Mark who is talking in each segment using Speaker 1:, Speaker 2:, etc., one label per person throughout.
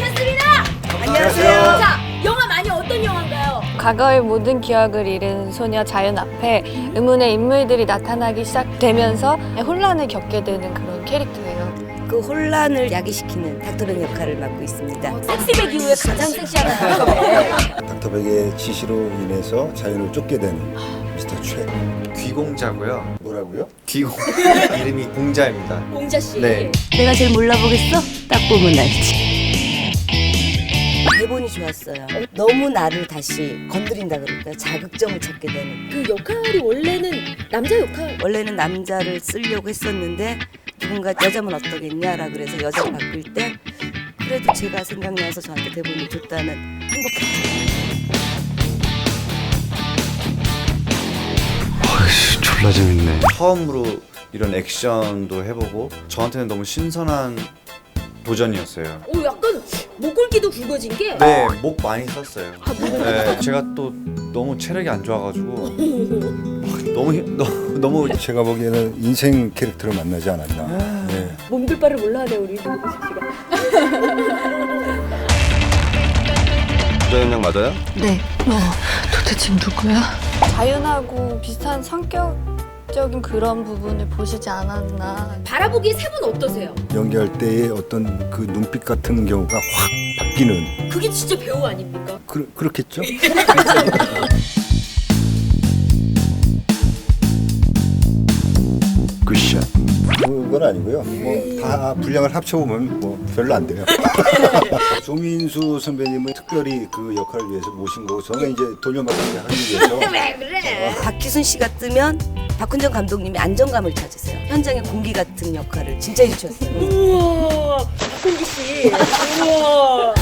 Speaker 1: 모셨습니다.
Speaker 2: 안녕하세요.
Speaker 1: 자, 영화 많이 어떤 영화인가요?
Speaker 3: 과거의 모든 기억을 잃은 소녀 자연 앞에 의문의 인물들이 나타나기 시작되면서 혼란을 겪게 되는 그런 캐릭터예요.
Speaker 2: 그 혼란을 야기시키는 닥터벤 역할을 맡고 있습니다.
Speaker 1: 섹시백 이후에 가장 섹시한 닥터벤.
Speaker 4: 닥터백의 지시로 인해서 자연을 쫓게 되는 미스터 최.
Speaker 5: 귀공자고요.
Speaker 4: 뭐라고요?
Speaker 5: 귀공 이름이 공자입니다.
Speaker 1: 공자 씨.
Speaker 5: 네.
Speaker 2: 내가 제일 몰라보겠어? 딱 보면 알지. 대본이 좋았어요. 너무 나를 다시 건드린다 그럴까요? 자극점을 찾게 되는.
Speaker 1: 그 역할이 원래는 남자 역할.
Speaker 2: 원래는 남자를 쓰려고 했었는데 누군가 여자면 어떠겠냐라 그래서 여자를 바꿀 때 그래도 제가 생각나서 저한테 대본을 줬다는 행복했죠.
Speaker 5: 졸라 재밌네. 처음으로 이런 액션도 해보고 저한테는 너무 신선한 도전이었어요.
Speaker 1: 오, 약간 목골기도 굵어진 게.
Speaker 5: 네, 목 많이 썼어요. 네, 제가 또 너무 체력이 안 좋아가지고 너무
Speaker 4: 제가 보기에는 인생 캐릭터를 만나지 않았나. 네.
Speaker 1: 몸둘바를 몰라하네 우리 김국식 씨가.
Speaker 5: 부자연 양 맞아요?
Speaker 3: 네. 도대체 누구야? 자연하고 비슷한 성격적인 그런 부분을 보시지 않았나.
Speaker 1: 바라보기에 세 분 어떠세요?
Speaker 4: 연기할 때의 어떤 그 눈빛 같은 경우가 확 바뀌는.
Speaker 1: 그게 진짜 배우 아닙니까?
Speaker 4: 그렇겠죠? 굿샷. 그건 아니고요. 뭐 다 분량을 합쳐보면 뭐 별로 안 돼요. 조민수 선배님은 특별히 그 역할을 위해서 모신 거고 저는 이제 돌려막기 하기 위해서.
Speaker 1: 왜 그래?
Speaker 2: 박희순 씨가 뜨면 박훈정 감독님이 안정감을 찾으세요. 현장의 공기 같은 역할을 진짜 해주셨어요.
Speaker 1: 우와, 박홍기 씨. 우와.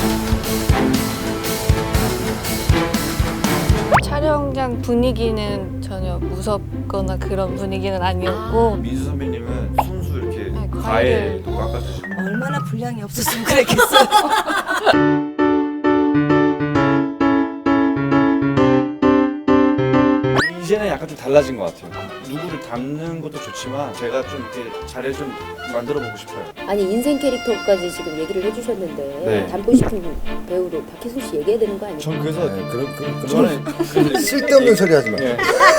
Speaker 3: 촬영장 분위기는 전혀 무섭거나 그런 분위기는 아니었고
Speaker 5: 민수 선배님은 순수 이렇게
Speaker 3: 네,
Speaker 5: 과일도 깎아주시고
Speaker 2: 얼마나 분량이 없었으면 그랬겠어요.
Speaker 5: 이제는 약간 좀 달라진 것 같아요. 누구를 닮는 것도 좋지만 제가 좀 이렇게 자리를 좀 만들어 보고 싶어요.
Speaker 6: 아니 인생 캐릭터까지 지금 얘기를 해주셨는데
Speaker 5: 네.
Speaker 6: 닮고 싶은 배우로 박희순 씨 얘기해야 되는 거 아니에요?
Speaker 5: 전 그래서
Speaker 4: 네, 그런
Speaker 5: 저는
Speaker 4: 쓸데없는 소리 하지 마.
Speaker 5: 예.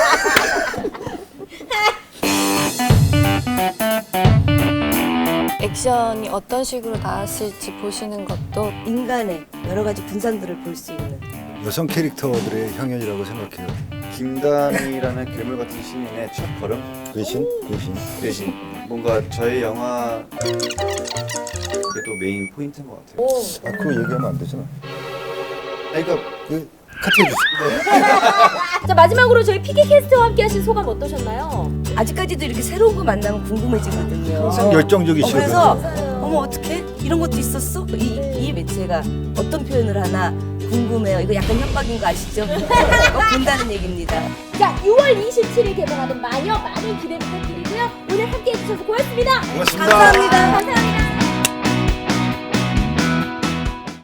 Speaker 3: 액션이 어떤 식으로 나왔을지 보시는 것도
Speaker 2: 인간의 여러 가지 분산들을 볼 수 있는.
Speaker 4: 여성 캐릭터들의 향연이라고 생각해요.
Speaker 5: 김단이라는 괴물 같은 신인의 첫 걸음
Speaker 4: 외신?
Speaker 5: 대신 뭔가 저희 영화 그래도 메인 포인트인 것 같아요.
Speaker 1: 오.
Speaker 4: 아, 그거 얘기하면 안 되잖아.
Speaker 5: 그러니까
Speaker 4: 그 카트 해주세요.
Speaker 1: 자, 마지막으로 저희 피기 캐스트와 함께 하신 소감 어떠셨나요?
Speaker 2: 아직까지도 이렇게 새로운 거 만나면 궁금해지거든요.
Speaker 4: 항상 열정적이시거든요.
Speaker 2: 그래서 어머 어떻게 이런 것도 있었어? 이 매체가 어떤 표현을 하나 궁금해요. 이거 약간 협박인 거 아시죠? 꼭 본다는 얘기입니다.
Speaker 1: 자, 6월 27일 개봉하는 마녀 많은 기대 부탁드리고요. 오늘 함께 해주셔서 고맙습니다.
Speaker 4: 고맙습니다.
Speaker 2: 감사합니다.
Speaker 1: 감사합니다.